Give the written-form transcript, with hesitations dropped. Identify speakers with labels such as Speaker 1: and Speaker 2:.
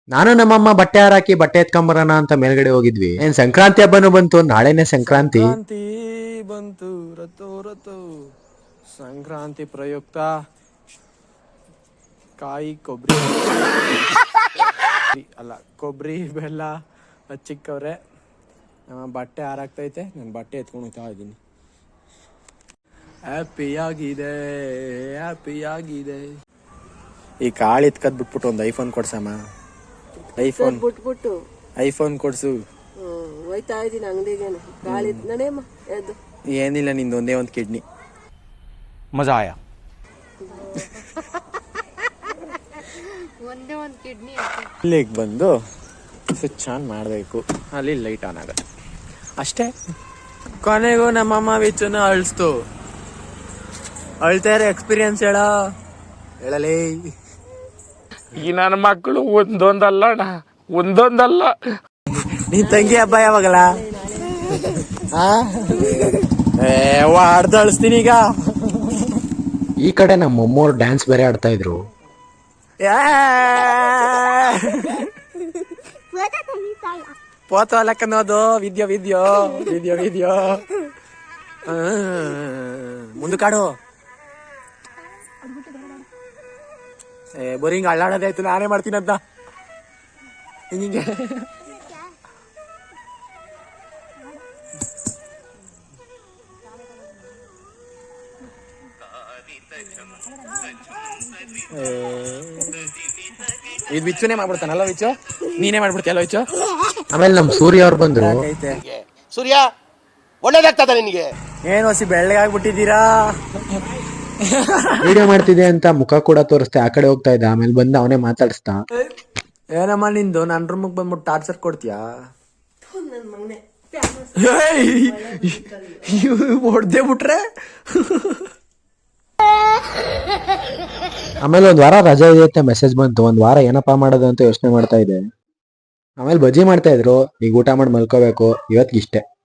Speaker 1: ನಾನು ನಮ್ಮಮ್ಮ ಬಟ್ಟೆ ಹಾರಾಕಿ ಬಟ್ಟೆ ಎತ್ಕೊಂಬರೋಣ ಅಂತ ಮೇಲ್ಗಡೆ ಹೋಗಿದ್ವಿ. ಏನ್ ಸಂಕ್ರಾಂತಿ ಹಬ್ಬನು ಬಂತು, ನಾಳೆನೆ ಸಂಕ್ರಾಂತಿ.
Speaker 2: ಸಂಕ್ರಾಂತಿ ಬಂತು ರತು ರತು ಸಂಕ್ರಾಂತಿ ಪ್ರಯುಕ್ತ ಕಾಯಿ ಕೊಬ್ಬರಿ ಅಲ್ಲ ಕೊಬ್ಬರಿ ಬೆಲ್ಲ ಹಚ್ಚಿಕ್ಕವ್ರೆ. ಬಟ್ಟೆ ಹಾರಾಕ್ತೈತೆ, ನಾನು ಬಟ್ಟೆ ಎತ್ಕೊಂಡು ಹೋಗ್ತಾ ಇದ್ದೀನಿ. ಹ್ಯಾಪಿಯಾಗಿದೆ ಹ್ಯಾಪಿಯಾಗಿದೆ. ಈ ಕಾಳು ಎತ್ಕದ್ ಬಿಟ್ಬಿಟ್ಟು ಒಂದು ಐಫೋನ್ ಕೊಡ್ಸಮ್ಮ. ಐಫೋನ್ ಕೊಡ್ಸು.
Speaker 3: ಹೋಯ್ತಾ ಇದೀನಿ ಅಂಗಡಿಗೆ. ಗಾಳಿ ನಡೆಯಮ್ಮ ಎದ್ದು.
Speaker 2: ಏನಿಲ್ಲ, ನಿಂದು ಒಂದೇ ಒಂದು ಕಿಡ್ನಿ.
Speaker 4: ಮಜಾ ಆಯಾ.
Speaker 5: ಒಂದೇ ಒಂದು ಕಿಡ್ನಿ
Speaker 2: ಇಲ್ಲಿಗೆ ಬಂದು ಸ್ವಿಚ್ ಆನ್ ಮಾಡಬೇಕು, ಅಲ್ಲಿ ಲೈಟ್ ಆನ್ ಆಗುತ್ತೆ ಅಷ್ಟೇ. ಕೊನೆಗೂ ನಮ್ಮಮ್ಮ ವಿಚ್ಚನ ಅಳಿಸ್ತು. ಅಳ್ತಾರೆ ಎಕ್ಸ್ಪೀರಿಯನ್ಸ್ ಹೇಳಲೇ.
Speaker 4: ಈ ನನ್ನ ಮಕ್ಕಳು ಒಂದೊಂದಲ್ಲ ಅಣ್ಣ, ಒಂದೊಂದಲ್ಲ.
Speaker 2: ನಿನ್ ತಂಗಿ ಹಬ್ಬ ಯಾವಾಗಲ್ಲ? ವಾಡ್ದು ಅಳಿಸ್ತೀನಿ ಈಗ.
Speaker 1: ಈ ಕಡೆ ನಮ್ಮ ಮೊಮ್ಮೋರು ಡ್ಯಾನ್ಸ್ ಬೇರೆ ಆಡ್ತಾ ಇದ್ರು.
Speaker 2: ಪೋತು ಅಲ್ಲಕ್ಕನ್ನೋದು ವಿದ್ಯೋ ವಿದ್ಯೋ ವಿದ್ಯೋ ವಿದ್ಯೋ ಮುಂದಕ್ಕಾಡು. ಬೋರಿಂಗ್ ಅಳ್ಳಾಡೋದಾಯ್ತು, ನಾನೇ ಮಾಡ್ತೀನಿ ಅಂತ ಹಿಂಗೆ. ಇದು ವಿಚ್ಚುನೇ ಮಾಡ್ಬಿಡ್ತಾನಲ್ಲ, ವಿಚ್ಚು ನೀನೇ ಮಾಡ್ಬಿಡ್ತೀಯಲ್ಲ ವಿಚ್ಚು.
Speaker 1: ಆಮೇಲೆ ನಮ್ ಸೂರ್ಯ ಅವ್ರು ಬಂದ್ರು.
Speaker 6: ಸೂರ್ಯ ಒಳ್ಳೇದಾಗ್ತದ ನಿನಗೆ?
Speaker 2: ಏನು ಹೊಸಿ ಬೆಳ್ಳಗಾಗ್ಬಿಟ್ಟಿದ್ದೀರಾ?
Speaker 1: ವಿಡಿಯೋ ಮಾಡ್ತಿದ್ದೆ ಅಂತ ಮುಖ ಕೂಡ ತೋರಿಸ್ತೆ, ಆ ಕಡೆ ಹೋಗ್ತಾ ಇದ್ದ. ಆಮೇಲೆ ಬಂದು ಅವನೇ ಮಾತಾಡಿಸ್ತಾ.
Speaker 2: ಏನಮ್ಮ ನಿಂದು ನನ್ನ ರೂಮಿಗೆ ಬಂದ್ಬಿಟ್ಟು ಟಾರ್ಚರ್ ಕೊಡ್ತೀಯಾ?
Speaker 3: ನನ್ ಮಗನೆ
Speaker 2: ಹೊಡ್ದೆ ಬಿಟ್ರೆ.
Speaker 1: ಆಮೇಲೆ ಒಂದ್ ವಾರ ರಜೆ ಇದೆ ಅಂತ ಮೆಸೇಜ್ ಬಂತು. ಒಂದ್ ವಾರ ಏನಪ್ಪಾ ಮಾಡೋದು ಅಂತ ಯೋಚನೆ ಮಾಡ್ತಾ ಇದ್ದೆ. ಆಮೇಲೆ ಬಜ್ಜಿ ಮಾಡ್ತಾ ಇದ್ರು. ಈಗ ಊಟ ಮಾಡಿ ಮಲ್ಕೋಬೇಕು, ಇವತ್ತಿಗೆ ಇಷ್ಟೇ.